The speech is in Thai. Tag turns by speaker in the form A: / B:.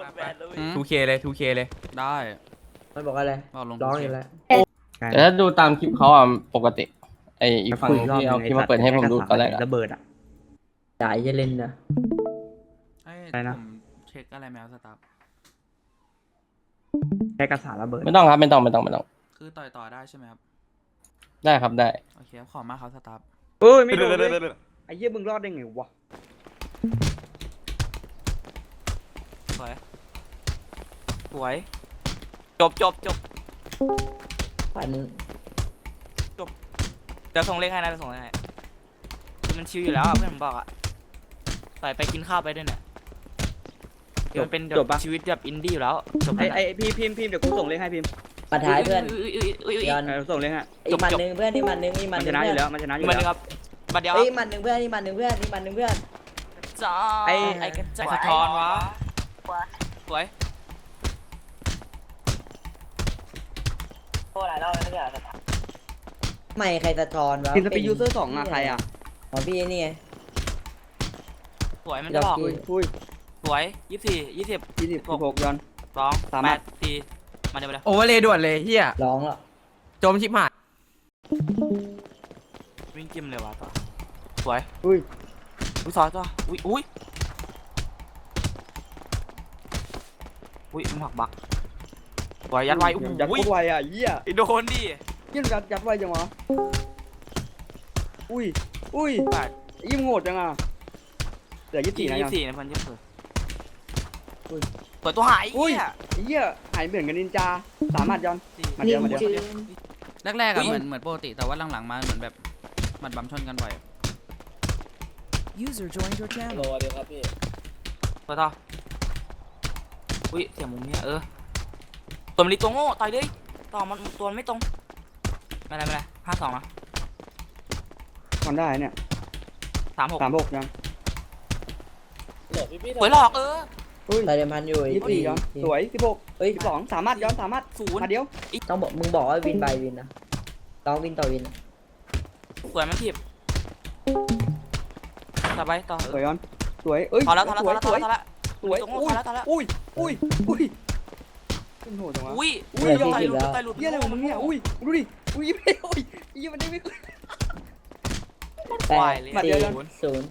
A: 2K เลย 2K เลยได้
B: มันบอกอะไร
A: เอาลง
B: ร้องอยู่แล้ว
C: แต่ถ้าดูตามคลิปเขาอ่ะปกติไออีกฝั่งที่เอาคลิปมาเปิดให้ผมดูตอนแรกอะ
D: ระเบิดอ่ะ
B: จ่ายจะเล่นนะ
D: อะไรนะ
A: ผมเช็คอะไรแมวสตาร์
D: แค่กระสาระเบิด
C: ไม่ต้องครับไม่ต้อง
A: คือต่อได้ใช่ไหมครับ
C: ได้ครับได้
A: โอเคครับขอบมากครับสตาร์
D: เอ้ยไม่โดนเลยไอ้เหี้ยมึงรอดได้ไงวะ
E: สวยสวยจบ
B: ปัน
E: เดี๋ยวส่งเลขให้นะเดี๋ยวส่งเลขให้คือมันชิวอยู่แล้วอะเพื่อนผมบอกอะไปกินข้าวไปด้วยเนี่ยคือมันเป็นแบบชีวิตแบบอินดี้อยู่แล้วจบ
D: ไอ้พิมพ์เดี๋ยวกูส่งเลขให้พิมพ์
B: มาท้ายเพื่อน
E: อุ้ย
B: ย้อน
D: ส่งเลขให้
B: อีกมันหนึ่งเพื่อนนี่มันหนึ่งอีก
D: มั
B: มัน นห
D: ช
B: นึ่ง
D: นะอ
B: เพื่
D: ยู่
B: อน
D: แล้วมันชนะอยู่
E: มัน
D: แล้ว
E: ครับบัดเดียว
B: เอ้ยมันหนึ่งเพื่อนนี่มันหนึ่งเพื่อนนี่มันหนึ่งเพื่อน
E: จ้า
D: ไอ้
E: ไอ้กระจายสะท้อนวะสวย
B: ไม่ใครสะท้อนวะ
D: พิมพ์สปีดยูเซอร์2อ่ะใครอ่ะ
B: ของพี่นี่ไง
E: สวยมันจะบอก
D: อุ้ย
E: สวย20
D: 26ย้อน
E: 2
D: สามารถ
E: 8 4มาเดี๋ยวไปเลย
A: โอเวอร์เลยด่วนเลยเฮีย
B: ร้องแล้ว
A: จมชิบหาย
E: วิ่งจิ้มเลยวะต่อสวย
D: อุ้ย
E: ซอยต่ออุ้ยมันหักบักสวยยัดไว้
D: ยัดโคตรไวอ่ะเหี้ย
E: โดนดิ
D: เหี้ยยัดไวจังวะอุ้ย
E: แปด
D: ยิ่งโหดจังอ่ะเหลือ24นะยัง
E: 24นะเพื่อน24
D: อุ้ย
E: เปิดตัวหาย
D: อุ้ย
E: เหี้ย
D: หายเหมือนกับนินจาสามารถย้อน มาเดี๋ยว
B: นิ่งจืด
A: แรกๆอะ
E: อุ๊ย
A: เหมือนปกติแต่ว่าหลังๆมาเหมือนแบบมันบัมชนกันบ่อย
F: User joined your channel.
E: เปิดต่ออุ้ยเสียงมุมเนี่ยตัวมันรีตัวโง่ต่อยเลยต่อมันตัวมันไม่ตรงไม่เป็นไร52นะ
D: ทำได้เนี่ย
E: 36
D: 36ย้อน
E: สวยหลอก
D: อุ้ย
B: ตายเดิมพันอยู่ไอ้
D: 24ย้อนสวย16
B: เฮ้ย
D: 12สามารถย้อนสามารถ
E: ศูนย์
D: มาเดียว
B: ต้องบอกมึงบอกว่าวินบายวินนะร้องวินต่อวิน
E: สวยมันถีบต่อไปต่อ
D: สวยย้อนสวยเอ้ย
E: พอแล้ว
D: สวย
E: สวย
D: สวย
E: ตัวโง่พอแล้ว
D: อุ้ยขึ้นโหดจังวะ
E: อุ้ย
B: เพื่อนที่สิบแล้ว
E: ต่อยหลุด
D: เหี้ยอะไรของมึงเนี่ยอุ้ยดูดิอุ้ยไม่โอ้ยยี่มันได้ไม่ขึ้น
B: แปด
D: มาเดี๋ยว
B: 4 0